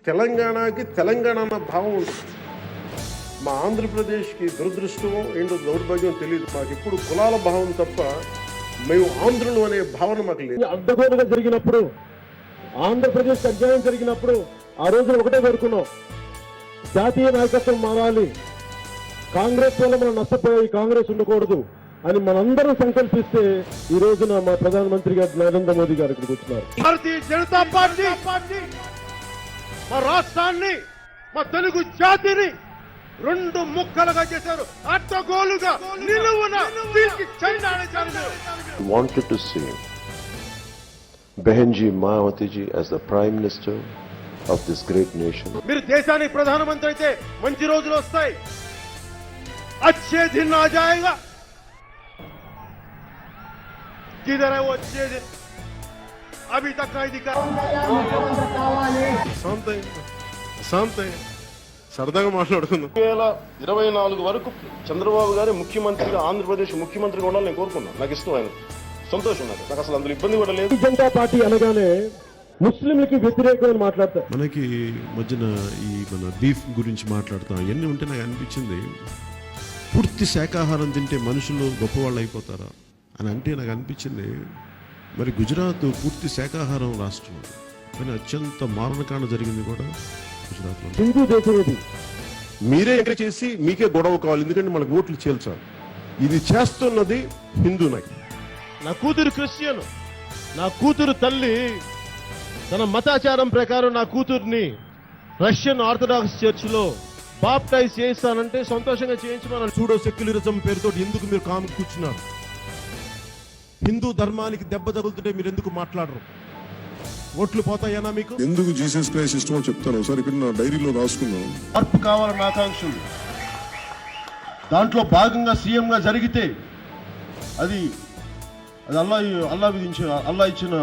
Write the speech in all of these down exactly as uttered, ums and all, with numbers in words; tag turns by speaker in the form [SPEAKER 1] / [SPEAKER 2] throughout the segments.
[SPEAKER 1] తెలంగాణకి తెలంగాణ అన్న భావం ఉంటుంది. మా ఆంధ్రప్రదేశ్కి దురదృష్టం ఏంటో దౌర్భాగ్యం తెలియదు. మాకు ఇప్పుడు కులాల భావం తప్ప మేము ఆంధ్రులు అనే భావన మాకు లేదు.
[SPEAKER 2] అడ్డగోలుగా జరిగినప్పుడు, ఆంధ్రప్రదేశ్ అధ్యాయం జరిగినప్పుడు ఆ రోజున ఒకటే కోరుకున్నాం, జాతీయ నాయకత్వం మారాలి, కాంగ్రెస్ వల్ల మనం నష్టపోయి కాంగ్రెస్ ఉండకూడదు అని మనందరం సంకల్పిస్తే ఈ రోజున మా ప్రధానమంత్రి గారు నరేంద్ర మోదీ గారు ఇక్కడికి వచ్చినారు.
[SPEAKER 3] భారతీయ జనతా పార్టీ మా రాష్ట్రాన్ని, మా తెలుగు జాతిని రెండు ముక్కలుగా చేశారు. అడ్డగోలుగా నిలువున తీర్చి చెండాడించారు.
[SPEAKER 4] Wanted to see Behenji Mayawati ji as the Prime Minister of this great nation.
[SPEAKER 3] మీరు దేశానికి ప్రధానమంత్రి అయితే మంచి రోజులు వస్తాయి. अच्छे दिन आ जाएगा. किधर है वो अच्छे दिन? अभी तक नहीं दिखा.
[SPEAKER 1] శాంతి శాంతి సరదాగా మాట్లాడుకుందాం.
[SPEAKER 5] రెండు వేల ఇరవై నాలుగు వరకు చంద్రబాబు గారి ముఖ్యమంత్రిగా, ఆంధ్రప్రదేశ్ ముఖ్యమంత్రిగా ఉండాలని నేను కోరుకున్నాను. నాకు ఇష్టం, ఆయన సంతోషం, నాకు నాకు అసలు అందులో ఇబ్బంది కూడా లేదు.
[SPEAKER 2] జనతా పార్టీ అనగానే ముస్లింలకి వ్యతిరేకమని మాట్లాడతారు.
[SPEAKER 6] మనకి మధ్యన ఈ మన బీఫ్ గురించి మాట్లాడతాం, ఇవన్నీ ఉంటే నాకు అనిపించింది, పూర్తి శాకాహారం తింటే మనుషులు గొప్పవాళ్ళు అయిపోతారా అని అంటే నాకు అనిపించింది. మరి గుజరాత్ పూర్తి శాకాహారం రాష్ట్రం, కానీ అత్యంత మారణకాండ జరిగింది కూడా గుజరాత్లో.
[SPEAKER 2] హిందూ దేశం ఇది.
[SPEAKER 1] మీరే ఎంకరేజ్ చేసి మీకే గొడవ కావాలి, ఎందుకంటే మనకు ఓట్లు చేల్చాలి. ఇది చేస్తున్నది హిందూ నాయకులు.
[SPEAKER 3] నా కూతురు క్రిస్టియన్, నా కూతురు తల్లి తన మతాచారం ప్రకారం నా కూతుర్ని రష్యన్ ఆర్థడాక్స్ చర్చ్ లో బాప్టైజ్ చేయిస్తానంటే సంతోషంగా చేయించమని.
[SPEAKER 6] సూడో సెక్యులరిజం పేరుతో ఎందుకు మీరు కాము కూర్చున్నారు? హిందూ ధర్మానికి దెబ్బ తగులుతుంటే మీరు ఎందుకు మాట్లాడరు? ఓట్లు పోతాయనా మీకు?
[SPEAKER 7] ఎందుకు జీసస్ క్రైస్ట్ ఇష్టమో చెప్తాను ఒకసారి, ఇక్కడ నా డైరీలో రాసుకున్నాను.
[SPEAKER 3] మార్పు కావాలన్న ఆకాంక్షలు, దాంట్లో భాగంగా సీఎం గా జరిగితే అది అది అల్లా అల్లా విధించిన అల్లా ఇచ్చిన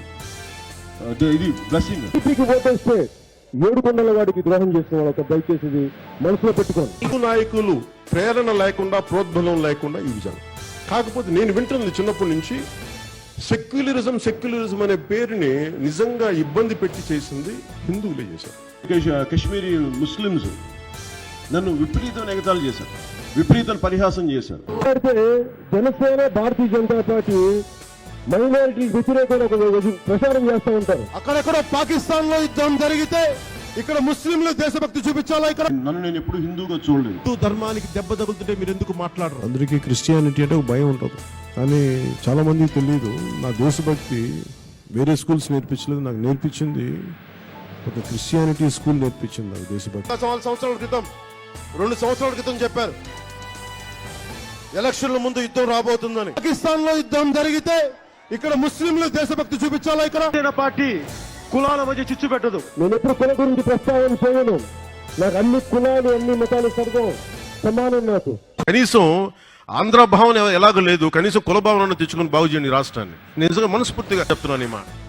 [SPEAKER 3] ఇది బ్లెస్సింగ్.
[SPEAKER 2] టీపీకి ఓటేస్తే ఏడు కొండల వాడికి ద్రోహం చేసిన వాళ్ళకి దయచేసి ఇది మనసులో పెట్టుకోండి.
[SPEAKER 1] హిందూ నాయకులు ప్రేరణ లేకుండా, ప్రోద్బలం లేకుండా ఈ విజయం. కాకపోతే నేను వింటుంది చిన్నప్పటి నుంచి, సెక్యులరిజం సెక్యులరిజం అనే పేరుని నిజంగా ఇబ్బంది పెట్టి చేసింది హిందువులే చేశారు.
[SPEAKER 3] కశ్మీరీ ముస్లింస్ నన్ను విపరీతం ఎగతాళి చేశారు, విపరీతం పరిహాసం చేశారు.
[SPEAKER 2] అయితే జనసేన, భారతీయ జనతా పార్టీ మైనారిటీ వ్యతిరేకంగా ఒక ప్రచారం చేస్తూ ఉంటారు.
[SPEAKER 3] అక్కడెక్కడో పాకిస్తాన్ లో యుద్ధం జరిగితే ఇక్కడ ముస్లింలు దేశభక్తి చూపించాలా? ఇక్కడ నన్ను నేను ఎప్పుడు హిందూగా చూడలేదు.
[SPEAKER 6] హిందూ ధర్మానికి దెబ్బ తగులుతుంటే మీరు ఎందుకు మాట్లాడరు?
[SPEAKER 8] అందరికీ క్రిస్టియానిటీ అంటే ఒక భయం ఉంటుంది, కానీ చాలా మందికి తెలియదు. నా దేశభక్తి వేరే స్కూల్స్ నేర్పించలేదు, నాకు నేర్పించింది ఒక క్రిస్టియానిటీ స్కూల్ నేర్పించింది నాకు దేశభక్తి.
[SPEAKER 3] నాలుగు సంవత్సరాల క్రితం, రెండు సంవత్సరాల క్రితం చెప్పారు ఎలక్షన్ల ముందు యుద్ధం రాబోతుందని. పాకిస్తాన్ లో యుద్ధం జరిగితే ఇక్కడ ముస్లింలు దేశభక్తి చూపించాలా? ఇక్కడ పార్టీ కులాల మధ్య చిచ్చు పెట్టదు.
[SPEAKER 2] నేను ఎప్పుడు కుల గురించి ప్రస్తావన చేయను. నాకు అన్ని కులాలు, అన్ని మతాలు సర్వం సమానం. నాకు
[SPEAKER 1] కనీసం ఆంధ్ర భావన ఎలాగో లేదు, కనీసం కుల భావన తెచ్చుకుని బాగు చేయండి రాష్ట్రాన్ని. నిజంగా మనస్ఫూర్తిగా చెప్తున్నాను ఈ మాట.